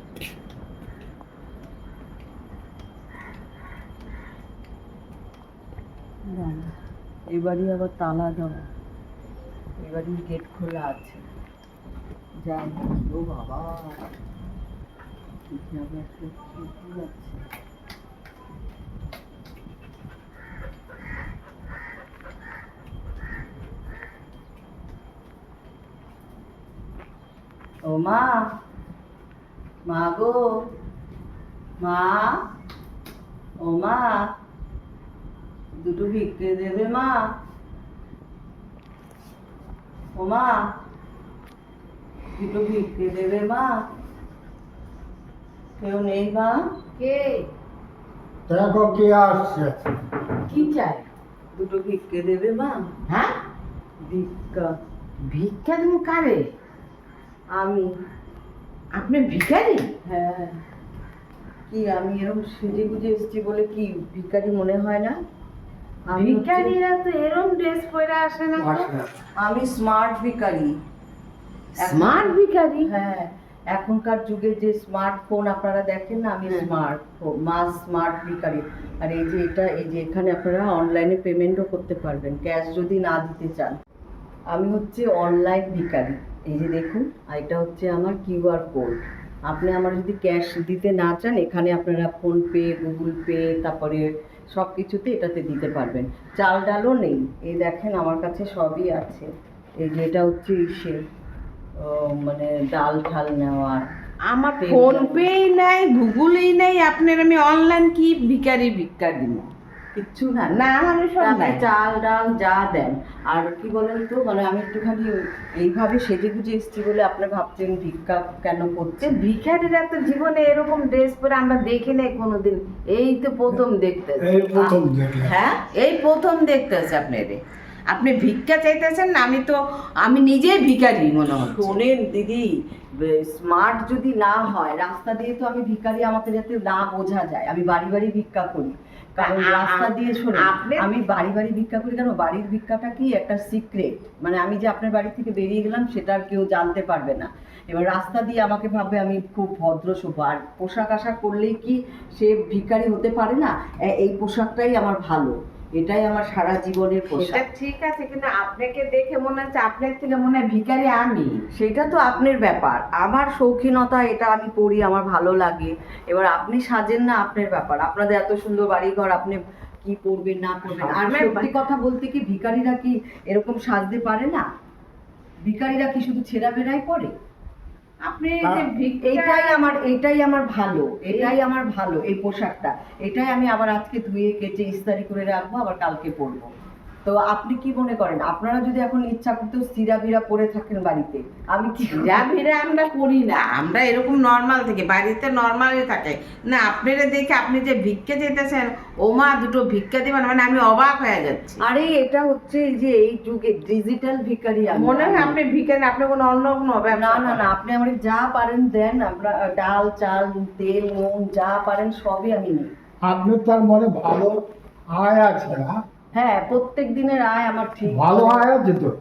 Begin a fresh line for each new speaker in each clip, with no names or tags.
এবারই আবার তালা দেওয়া, এবারই গেট খোলা আছে। যাই ও বাবা, ও মা, মা গো, মা, ও মা, দুটো ভিক্ষে দেবে মা? ও মা, দুটো ভিক্ষে দেবে মা? কেউ নেই মা?
কে?
দেখো কে আসছে।
কি চাই?
দুটো ভিক্ষে দেবে মা?
হ্যাঁ,
ভিক্ষা।
ভিক্ষা দেবো কারে?
আমি।
আপনি ভিখারি?
হ্যাঁ। কি আমি এরকম সেজে গুজে এসেছি বলে কি ভিখারি মনে হয় না?
ভিখারিরা তো এরকম ড্রেস পরে আসে না তো।
আমি স্মার্ট ভিখারি।
স্মার্ট ভিখারি?
হ্যাঁ, এখনকার যুগে যে স্মার্টফোন আপনারা দেখেন না, আমি স্মার্ট ভিখারি। আর এই যে এটা, এই যে এখানে আপনারা অনলাইনে পেমেন্টও করতে পারবেন, ক্যাশ যদি না দিতে চান। আমি হচ্ছে অনলাইন ভিখারি। এই যে দেখুন, আর এটা হচ্ছে আমার কিউআর কোড। আপনি আমার যদি ক্যাশ দিতে না চান, এখানে আপনারা ফোনপে, গুগল পে, তারপরে সব কিছুতে এটাতে দিতে পারবেন। চাল ডালও নেই, এই দেখেন আমার কাছে সবই আছে। এই যে এটা হচ্ছে ইসে মানে ডাল ঠাল নেওয়ার।
আমার ফোন পেই নাই, গুগলেই নাই, আপনার আমি অনলাইন কি ভিখারি ভিক্ষা দিব?
কিচ্ছু না।
না, আমি সব
আপনি
নাই।
চাল ডাল যা দেন। আর কি বলেন তো, মানে আমি একটুখানি এইভাবে সেজে গুজে এসেছি বলে আপনি ভাবছেন ভিক্ষা কেন করছে।
ভিখারিরা তো জীবনে এরকম ড্রেস পরে আমরা দেখি নাই কোনোদিন, এই তো প্রথম দেখতেছি।
এই প্রথম দেখলাম।
হ্যাঁ, এই প্রথম দেখতেছি আপনারে। আপনি ভিক্ষা চাইতেছেন না? আমি নিজেই ভিখারি মনে হচ্ছে।
শোনেন দিদি, স্মার্ট যদি না হয়, রাস্তা দিয়ে তো আমি ভিখারি আমাকে যাতে না বোঝা যায়, আমি বাড়ি বাড়ি ভিক্ষা করি। কারণ রাস্তা দিয়ে শোনেন, আমি বাড়ি বাড়ি ভিক্ষা করি কেন? বাড়ির ভিক্ষাটা কি একটা সিক্রেট, মানে আমি যে আপনার বাড়ি থেকে বেরিয়ে গেলাম সেটা আর কেউ জানতে পারবে না। এবার রাস্তা দিয়ে আমাকে ভাববে আমি খুব ভদ্র সভ্য। আর পোশাক আশাক করলেই কি সে ভিখারি হতে পারে না? এই পোশাকটাই আমার ভালো, এটাই আমার সারা জীবনের
এটা
পোশাক।
ঠিক আছে, কিন্তু আপনাকে দেখে মনে হচ্ছে আপনার থেকে মনে হয় ভিখারি আমি।
সেটা তো আপনার ব্যাপার, আমার শৌখিনতা, এটা আমি পরি, আমার ভালো লাগে। এবার আপনি সাজেন না, আপনার ব্যাপার। আপনাদের এত সুন্দর বাড়িঘর, আপনি কি পরবেন না পরবেন। আর সত্যি কথা বলতে কি, ভিখারিরা কি এরকম সাজতে পারে না? ভিখারিরা কি শুধু ছেঁড়া বেড়াই পরে?
আপনি
এইটাই আমার ভালো, এটাই আমার ভালো এই পোশাকটা। এটাই আমি আবার আজকে ধুয়ে কেচে ইস্ত্রি করে রাখবো, আবার কালকে পরবো। তো আপনি কি মনে করেন, আপনারা যদি এখন ইচ্ছা করতে সিরা বিরা পরে থাকেন বাড়িতে, আমি কি
যা ভিড়ে আমরা করি না, আমরা এরকম নর্মাল থেকে বাড়িতে নর্মালই থাকে না। আপনারা দেখে আপনি যে ভিক্ষা যেতেছেন, ও মা দুটো ভিক্ষা দিবেন, মানে আমি অবাক হয়ে যাচ্ছি।
আরে এটা হচ্ছে এই যে এই যুগে ডিজিটাল ভিখারি।
মনে হয় আপনি ভিখারি, আপনি কোনো অন্য কোনো
না
ব্যবসা
না না, আপনি আমাকে যা পারেন দেন। আমরা ডাল চাল তেল নুন যা পারেন সবই আমি নিই।
আপনার তার মনে ভালো আয় আছে না?
হ্যাঁ, প্রত্যেক দিনের আয় আমার ঠিক
ভালো আয় আছে তো।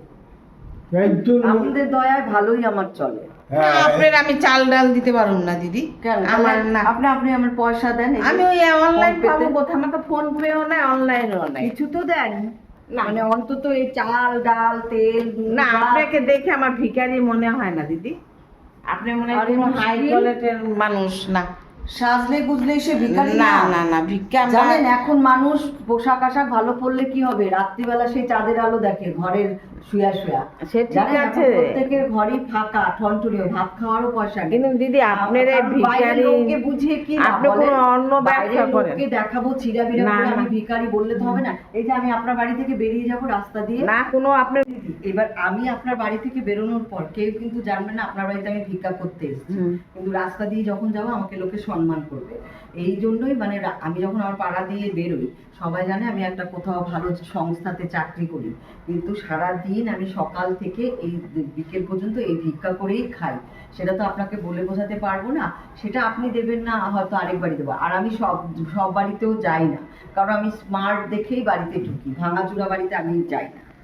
আপনাদের দয়ায় ভালোই আমার চলে।
আপনার আমি চাল ডাল দিতে পারুন না দিদি।
কেন?
আমার না,
আপনি আমার পয়সা দেন।
আমি ওই অনলাইন পাবো কোথায়? আমার তো ফোন পেও নাই, অনলাইনও নাই।
কিছু তো দেন
না।
মানে অন্তত এই চাল ডাল তেল
না, আপনাকে দেখে আমার ভিখারি মনে হয় না দিদি। আপনি মনে হয় কোনো হাই কোয়ালিটির মানুষ না।
সাজলে গুজলে সে ভিখারি
না না না, ভিক্ষা
জানেন, এখন মানুষ পোশাক আশাক ভালো পরলে কি হবে, রাত্রিবেলা সেই চাঁদের আলো দেখে ঘরের শুয়া শুয়া।
সে ঠিক আছে,
প্রত্যেকের ঘরই ফাঁকা ঠনঠনিও, ভাত খাওয়ারও পয়সা নেই।
কিন্তু দিদি আপনার ভিখারি
লোককে বুঝিয়ে কি
আপনি কোনো অন্য ব্যবসা করেন?
লোককে দেখাবো চিরা বিরা
না,
করে আমি
না।
ভিখারি বললে তো হবে না। এই যে আমি আপনার বাড়ি থেকে বেরিয়ে যাব রাস্তা দিয়ে,
না কোনো আপনার,
এবার আমি আপনার বাড়ি থেকে বেরোনোর পর কেউ কিন্তু জানবে না আপনার বাড়িতে আমি ভিক্ষা করতে এসেছি। কিন্তু রাস্তা দিয়ে যখন যাবো আমাকে লোকে সম্মান করবে। এই জন্যই মানে আমি যখন আমার পাড়া দিয়ে বেরোই, সবাই জানে আমি একটা কোথাও ভালো সংস্থাতে চাকরি করি, কিন্তু সারা দিন আমি সকাল থেকে এই বিকেল পর্যন্ত এই ভিক্ষা করেই খাই। সেটা তো আপনাকে বলে বোঝাতে পারবো না। সেটা আপনি দেবেন না, হয়তো আরেক বাড়ি দেবো। আর আমি সব বাড়িতেও যাই না, কারণ আমি স্মার্ট দেখেই বাড়িতে ঢুকি, ভাঙাচুরা বাড়িতে আমি যাই না।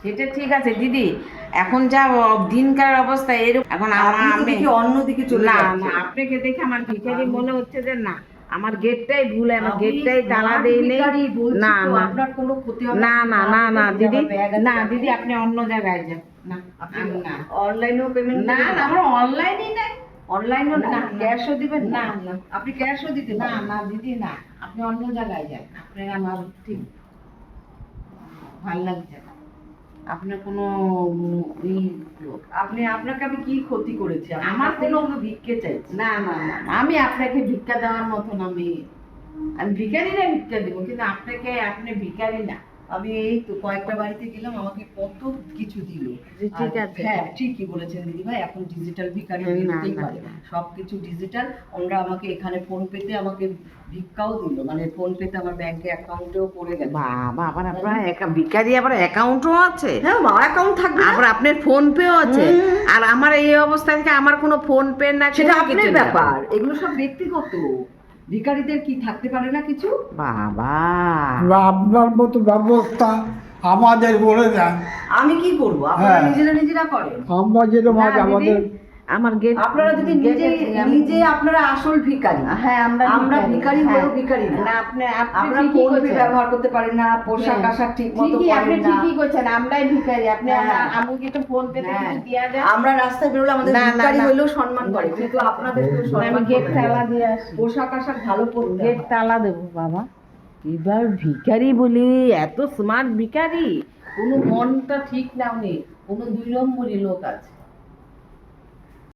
সেটা ঠিক আছে দিদি, এখন যা দিনকার অবস্থা এরকম, এখন
আপনি তো
আমি
দেখি অন্যদিকে চলে
না
যাচ্ছেন।
না আপনাকে দেখে আমার ভিখারি মনে হচ্ছে যে না, আমার গেটটাই ভুল, আমার
আমি
গেটটাই তালা
smart
দেই নেই।
ভিখারি বলছি
না
তো,
না
আপনার কোনো ক্ষতি হবে
না না না না দিদি, না
না
দিদি আপনি অন্য জায়গায় যান। না
আপনি
আমি না
অনলাইনেও পেমেন্ট
না না আমার অনলাইনই নাই।
অনলাইনও না,
না, না।
ক্যাশও দিবেন
না,
না?
না।
আপনি ক্যাশও দিতে
না
পারেন।
না দিদি না, আপনি অন্য জায়গায় যান, আপনার আমার ঠিক ভাল লাগছে না, আপনার কোনো ই লোক।
আপনি আপনাকে আমি কি ক্ষতি করেছি?
আমার
আমার কোনো
কোনো-
ভিক্ষে চাইছি।
না না না না, আমি আপনাকে ভিক্ষা দেওয়ার মতন আমি ভিখারি না, ভিক্ষা দেবো, কিন্তু আপনাকে আপনি ভিখারি না।
আমি এই তো কয়েকটা বাড়িতে গেলাম, আমাকে কত কিছু দিল।
জি, ঠিক
আর
আছে।
হ্যাঁ ঠিকই বলেছেন দিদি ভাই, এখন ডিজিটাল ভিখারি
না,
বেরোতেই
না,
পারে
না।
সবকিছু ডিজিটাল। ওরা আমাকে এখানে ফোন পেতে আমাকে ভিক্ষাও দিল, মানে ফোন পেতে আমার ব্যাংকে অ্যাকাউন্টেও পড়ে গেছে।
বাবা, আবার আপনার ভিখারি আবার অ্যাকাউন্টও আছে,
হ্যাঁ মা অ্যাকাউন্ট থাকবে না?
আবার আপনার ফোন পেও আছে।
হুম।
আর আমার এই অবস্থা থেকে আমার কোনো ফোন পে না,
সেটা
কোনো
আপনার
কিছু না।
ব্যাপার, এগুলো সব ব্যক্তিগত। ভিখারিদের কি থাকতে পারে না কিছু?
বাবা,
এবার আপনার মতো ব্যবস্থা আমাদের বলে দেন,
আমি কি করব? আপনারা
হ্যাঁ।
নিজেরা করেন।
আমরা যেরকম
না
আজ
দিদি,
আমাদের
আমার গেট
আপনারা যদি নিজে আপনারা আসল ভিখারি।
হ্যাঁ
আমরা ভিখারি হলেও ভিখারি না।
না, আপনি
আপনারা
ঠিকই
ফোন পে
কইছেন।
ব্যবহার করতে পারেন না, পোশাক
হ্যাঁ।
আশাক ঠিক মতো
ঠিকই, আপনি
পরেন না।
ঠিকই কইছেন, আমরাই ভিখারি, আপনি
হ্যাঁ।
আমাকে তো ফোন পেতে
হ্যাঁ।
কিছু দিয়া যায়।
আমরা রাস্তায় বেরোলে আমাদের
না, না,
ভিখারি
না।
হলেও সম্মান করে, কিন্তু আপনাদের কেউ
আমি
সম্মান
গেট
করে না।
তালা দিয়ে আসি,
পোশাক আশাক ভালো পরতে
গেট
হয়।
তালা দেবো বাবা। এবার ভিখারি বলি, এত স্মার্ট ভিখারি, কোনো মনটা ঠিক না, উনি কোনো 2 নম্বরই লোক আছে।